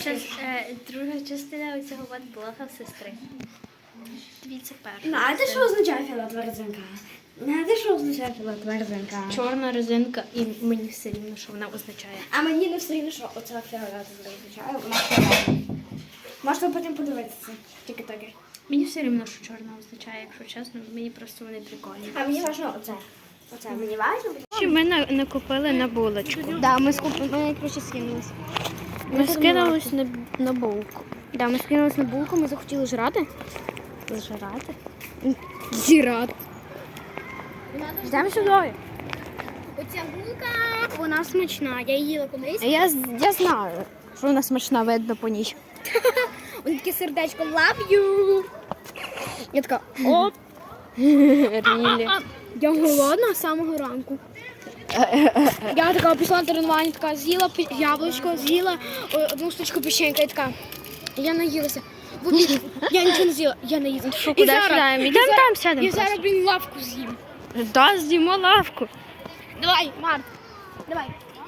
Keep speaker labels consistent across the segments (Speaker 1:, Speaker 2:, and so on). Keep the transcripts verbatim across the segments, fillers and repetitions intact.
Speaker 1: час, е, друга частина цього блога сестри. Дивіться перша.
Speaker 2: Знаєте, що означає фіолетова резинка? Знаєте, що означає фіолетова резинка?
Speaker 1: Чорна резинка, і мені все рівно, що вона означає.
Speaker 2: А мені не все рівно, що оця фіолетова означає, вона фіолетова. Можете потім подивитися. Тільки таке.
Speaker 1: Мені все рівно, що чорна означає, якщо чесно, мені просто вони прикольні.
Speaker 2: А мені важливо оце. Оце мені важливо.
Speaker 1: Чи ми на- накупили на булочку?
Speaker 2: Да, ми скупили, ми коротше скинулися.
Speaker 1: Ми скинулись на, на булку.
Speaker 2: Да, ми скинулися на булку, ми захотіли жрати.
Speaker 1: Зжирати?
Speaker 2: Зірати. Йдемо сюди. Оця булка, вона смачна. Я її їла колись.
Speaker 1: Я, я знаю, що вона смачна, видно по ній.
Speaker 2: Ось таке сердечко love you. Я така, оп.
Speaker 1: Рілі.
Speaker 2: Я голодна з самого ранку. Я така пішла на тренування, така з'їла пі- яблучко, з'їла о, одну штучку печенька і така. Я наїлася. В обід я нічого не з'їла, я не їла.
Speaker 1: Що, куди сідаємо? Ідемо там сядемо
Speaker 2: Я зараз,
Speaker 1: просто.
Speaker 2: блін, лавку з'їм.
Speaker 1: Да, з'їмо лавку.
Speaker 2: Давай, Март, давай.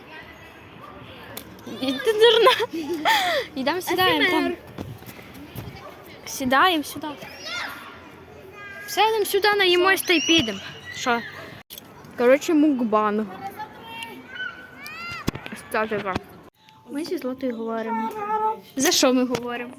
Speaker 1: І ти дурна. Йдемо сідаємо там. Сідаємо сюди. Сядемо сюди, наїмось та й підемо. Що? Коротше, мукбанг. Статика. Ми зі Златою говоримо. За що ми говоримо?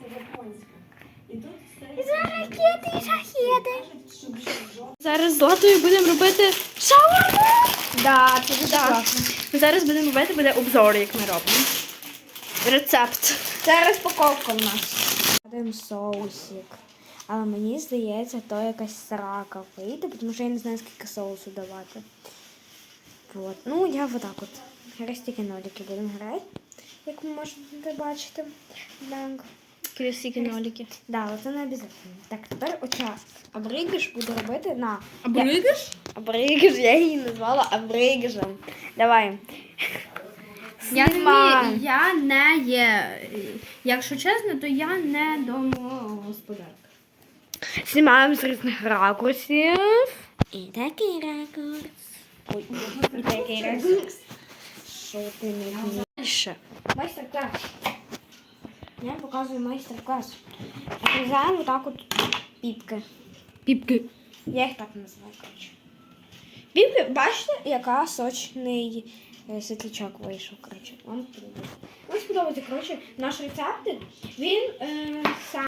Speaker 2: За ракети і шахеди.
Speaker 1: Зараз з Златою будемо робити шаурму.
Speaker 2: Да, це дуже
Speaker 1: Так.
Speaker 2: класно.
Speaker 1: Ми зараз будемо робити буде обзор, як ми робимо. Рецепт.
Speaker 2: Це розпаковка в нас. Даємо соусик. Але мені здається, то якась срака вийде, тому що я не знаю, скільки соусу давати. Вот. Ну, я вот так от. Зараз тільки нолики будемо грати, як ви можете бачити. Так.
Speaker 1: Красиві нолики.
Speaker 2: Да, це не обов'язково. Так, тепер оця абригиш буду робити на...
Speaker 1: Абригиш?
Speaker 2: Абригиш, я її назвала абригишем. Давай.
Speaker 1: Я не,
Speaker 2: Знімай.
Speaker 1: вмію- я не є, якщо чесно, то я не домогосподарка.
Speaker 2: Знімаємо з різних ракурсів. І такий ракурс. Ой, і такий ракурс. Що ти не вмієш?
Speaker 1: Ще.
Speaker 2: Майстер-клас. Я показую майстер-клас. Отрізаємо отак от піпки.
Speaker 1: Піпки.
Speaker 2: Я їх так називаю, коротше. Піпки, бачите, яка сочний е, світлячок вийшов, коротше. Вам сподобається. Вам сподобається, коротше, наш рецепт, він е, сам.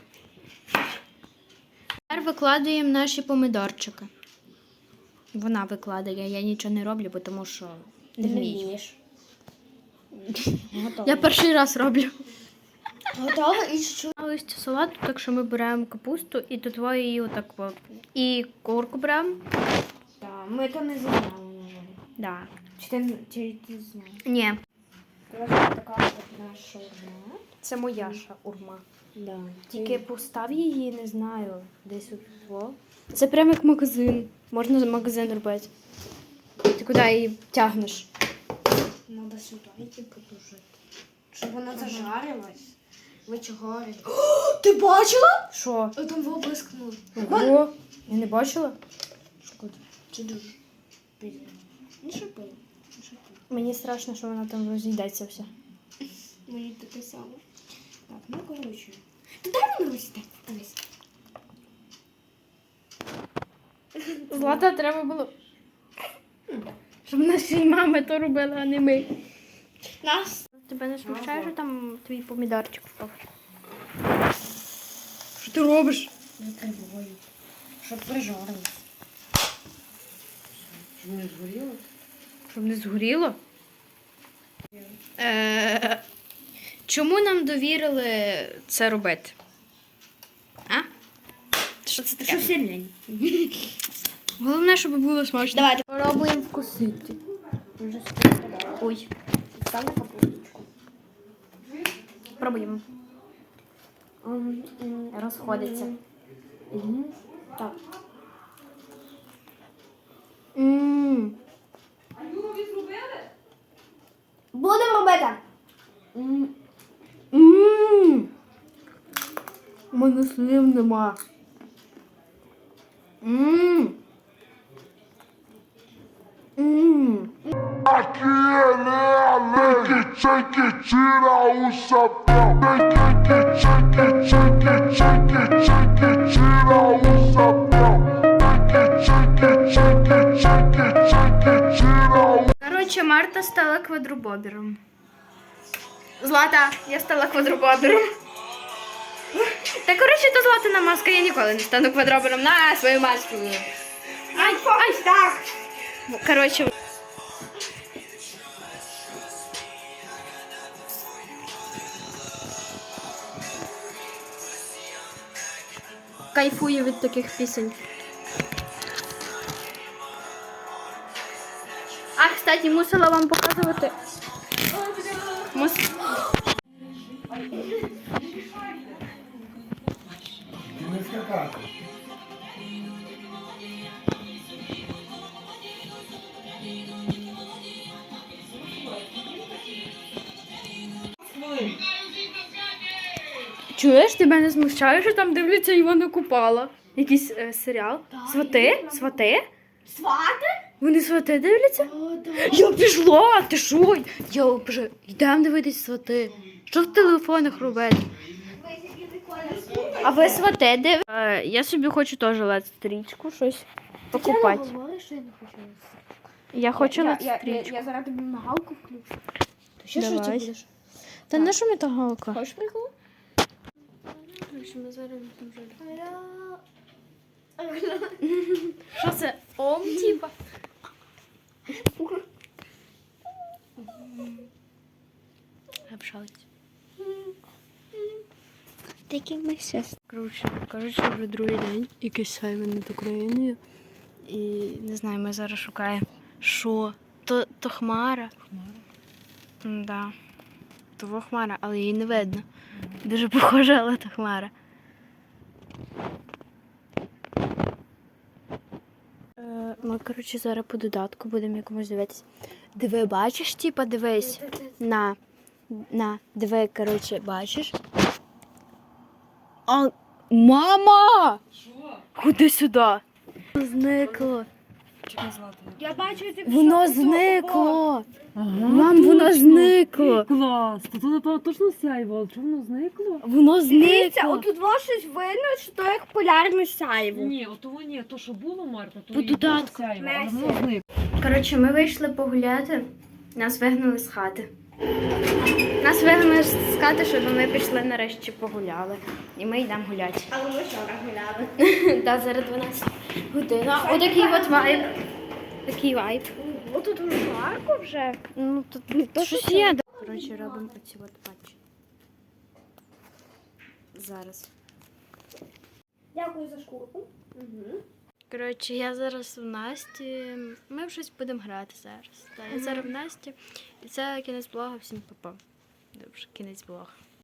Speaker 1: Тепер викладаємо наші помидорчики. Вона викладає, я нічого не роблю, бо тому що не вмію.
Speaker 2: Готово.
Speaker 1: Я перший раз роблю.
Speaker 2: Готово і що?
Speaker 1: Листя салату, так що ми беремо капусту і тут її отак от. І курку беремо.
Speaker 2: Так, ми то не зняли, на жаль.
Speaker 1: Да.
Speaker 2: Чи ти, чи ти зняв?
Speaker 1: Ні,
Speaker 2: Коротше, така от наша шаурма.
Speaker 1: це моя шаурма.
Speaker 2: Да.
Speaker 1: Тільки постав її, не знаю, десь у тепло. Це прямо як магазин. Можна за магазин робити. Ти куди її тягнеш?
Speaker 2: Надо сюди йти подужити. Щоб вона зажарилась. Ви чого? О, ти бачила?
Speaker 1: Що?
Speaker 2: Там виблискнуло.
Speaker 1: Ого, я не бачила.
Speaker 2: Шкода. Чи дуже? Пізно. Не шипи. Не шипи.
Speaker 1: Мені страшно, що вона там розійдеться вся.
Speaker 2: Мені таке саме. Так, ну коротше. Та дай мені ось так. Дивись.
Speaker 1: Злата треба було. Щоб наші мами то робили, а не ми.
Speaker 2: Нас.
Speaker 1: Тебе не смущає, що там твій помідорчик впав? Що ти робиш?
Speaker 2: Закриваю. Щоб прижарилось.
Speaker 3: Щоб не згоріло?
Speaker 1: Щоб не згоріло? Е, чому нам довірили це робити? А? Що це таке?
Speaker 2: Щоб сильнень.
Speaker 1: Головне, щоб було смачно.
Speaker 2: Давайте.
Speaker 1: Пробуємо вкусити.
Speaker 2: Вже сподобалось.
Speaker 1: Ой,
Speaker 2: Став на капусточку.
Speaker 1: пробуємо.
Speaker 2: М, м,
Speaker 1: Розходиться.
Speaker 2: Мгм. Так.
Speaker 1: Ммм.
Speaker 2: Будемо робити.
Speaker 1: Ммм. У мене слів нема. Ммм. Ммм.
Speaker 4: Aqui, né, Alex?
Speaker 3: Tem que tirar o chapéu. Tem que, que, tem que, tem que, tem que, tem que tirar o chapéu. Tem que, tem que, tem que, tem que, tem que tirar o.
Speaker 1: Коротше, Марта стала квадробобером. Злата, я стала квадробобером. Та коротше, то Златина маска, я ніколи не стану квадробером. На свою маску. Ай, ай, так. Коротше. Кайфую від таких пісень. А, кстати, мусила вам показувати. Мус...
Speaker 3: Не скакати.
Speaker 1: Чуєш, тебе не смущає, що там дивляться Івана Купала? Якийсь е, серіал? Свати? Свати?
Speaker 2: Свати?
Speaker 1: Вони свати дивляться? Я пішла, ти що? Я вже йдемо дивитись свати. Що в телефонах робити? А ви свати див? Е, я собі хочу теж лед-стрічку, щось покупати.
Speaker 2: Я говорю, що я не хочу.
Speaker 1: Я хочу
Speaker 2: я, я, я,
Speaker 1: лед-стрічку.
Speaker 2: я зараз тобі мигалку включу. Ти ще
Speaker 1: Давай.
Speaker 2: що ти будеш?
Speaker 1: Та на що мені та галка?
Speaker 2: Хочеш прикол?
Speaker 1: Ми зараз Що це? Ом, типа? Обшалить.
Speaker 2: Такий ми щас.
Speaker 1: Коротше, коротше, вже другий день. Якийсь сайвен над Україною. І не знаю, ми зараз шукаємо. Що? То, то хмара. Хмара? Да. Того хмара, але її не видно. Дуже похожа, але то хмара. Е, Ми, коротше, зараз по додатку будемо якомусь дивитися. Диви, бачиш, типа, дивись. На. На, диви, коротше, бачиш. А, мама! Що? Ходи сюди. Зникло.
Speaker 2: Я бачу, ти
Speaker 1: Воно зникло. Мам, воно зникло.
Speaker 4: Клас! То тут, напевно, точно сяйво, чому воно зникло?
Speaker 1: Воно
Speaker 2: Дивіться,
Speaker 1: зникло.
Speaker 2: отут во щось видно, що то як полярне сяйво.
Speaker 4: Ні, от того ні, то, що було, Марта, то
Speaker 1: По
Speaker 4: і було
Speaker 1: додатку.
Speaker 4: сяйво, але
Speaker 2: Месі.
Speaker 4: воно зникло.
Speaker 1: Коротше, ми вийшли погуляти, нас вигнали з хати. Нас вигнали з хати, щоб ми пішли нарешті погуляли. І ми йдемо гуляти.
Speaker 2: Але ми вчора гуляли.
Speaker 1: Та зараз дванадцята година. Отакий от вайб. Такий вайб.
Speaker 2: О, тут уже жарко вже.
Speaker 1: Ну, тут то щось є. Коротше, робимо оці от патчі. Зараз.
Speaker 2: Дякую за шкурку. Угу.
Speaker 1: Коротше, я зараз в Насті. Ми в щось будемо грати зараз. Та, я зараз в Насті. І це кінець блога. Всім па-па. Добре, кінець блога.